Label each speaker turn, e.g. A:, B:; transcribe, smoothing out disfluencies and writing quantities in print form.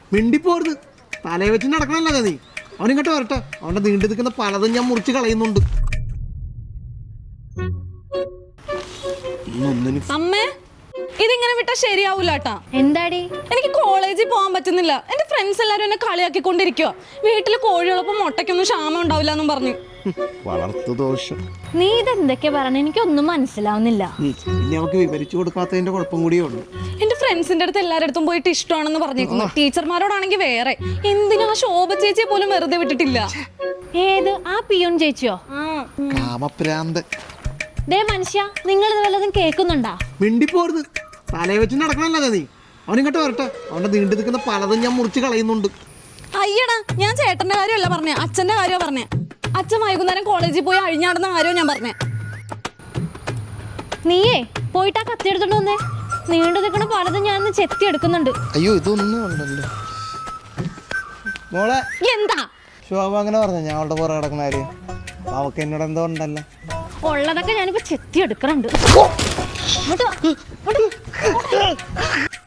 A: മിണ്ടിപ്പോരുത്. തലയെ വെച്ച് നടക്കണല്ലേ നീ. അവനിങ്ങോട്ട് വരട്ടെ. അവന്റെ നീണ്ടു നിൽക്കുന്ന പലതും ഞാൻ മുറിച്ച് കളയുന്നുണ്ട്.
B: അമ്മേ, ഇതിങ്ങനെ വിട്ടാ ശരിയാവൂലാട്ടാ.
C: എന്താടി?
B: എനിക്ക് കോളേജിൽ പോകാൻ പറ്റുന്നില്ല. എന്റെ ഫ്രണ്ട്സ് എല്ലാരും എന്നെ കളിയാക്കിക്കൊണ്ടിരിക്കുക. വീട്ടില് കോഴികളൊപ്പം മുട്ടയ്ക്കൊന്നും ക്ഷാമം ഉണ്ടാവില്ല എന്നും പറഞ്ഞു.
A: വളർത്തു ദോഷം.
C: നീ ഇതെന്തൊക്കെയാ പറഞ്ഞ? എനിക്കൊന്നും മനസ്സിലാവുന്നില്ല.
A: ഇനി അവർക്ക് വിവരിച്ചു കൊടുക്കാത്തതിന്റെ കുഴപ്പം കൂടിയേ ഉള്ളൂ.
B: എന്റെ ഫ്രണ്ട്സിന്റെ അടുത്ത് എല്ലാരടുത്തും പോയിട്ട് ഇഷ്ടമാണെന്ന് പറഞ്ഞേക്കുന്നു. ടീച്ചർമാരോടാണെങ്കിൽ വേറെ. എന്തിനാ ശോഭ ചേച്ചിയെ പോലും വെറുതെ വിട്ടിട്ടില്ല.
C: ഏത്? ആ പിയൂൺ ചേച്ചിയോ?
A: കാമപ്രാന്ത്.
C: ദേ മനുഷ്യ, നിങ്ങൾ ഇത് വല്ലതും കേൾക്കുന്നുണ്ടാ?
A: മിണ്ടിപ്പോരുത്. തലയെ വെച്ച് നടക്കണല്ലേ നീ. അവനിങ്ങോട്ട് വരട്ടെ. അവന്റെ നീണ്ടു നിൽക്കുന്ന പലതും ഞാൻ മുറിച്ച് കളയുന്നുണ്ട്.
B: അയ്യടാ, ഞാൻ ചേട്ടന്റെ കാര്യമല്ല പറഞ്ഞേ, അച്ഛന്റെ കാര്യമാണ് പറഞ്ഞേ. അച്ഛൻ വൈകുന്നേരം കോളേജിൽ പോയി അഴിഞ്ഞാടുന്ന കാര്യമാണ് ഞാൻ പറഞ്ഞേ.
C: നീയേ പോയിട്ട് ആ കത്തി എടുത്തോണ്ട് വന്നേ. നീണ്ടു നിൽക്കണ പലതും ഞാൻ ചെത്തി എടുക്കുന്നുണ്ട്.
A: അയ്യോ, ഇതൊന്നും ഉണ്ടല്ലോ മോളെ.
B: എന്താ
A: ശോഭ അങ്ങനെ പറഞ്ഞു? ഞാൻ അവളുടെ പുറകെ കിടക്കുന്ന കാര്യം അവക്ക് എന്നോട് എന്തോ ഉണ്ടല്ലോ.
C: ഉള്ളതൊക്കെ ഞാനിപ്പോ ചെത്തി എടുക്കണുണ്ട്.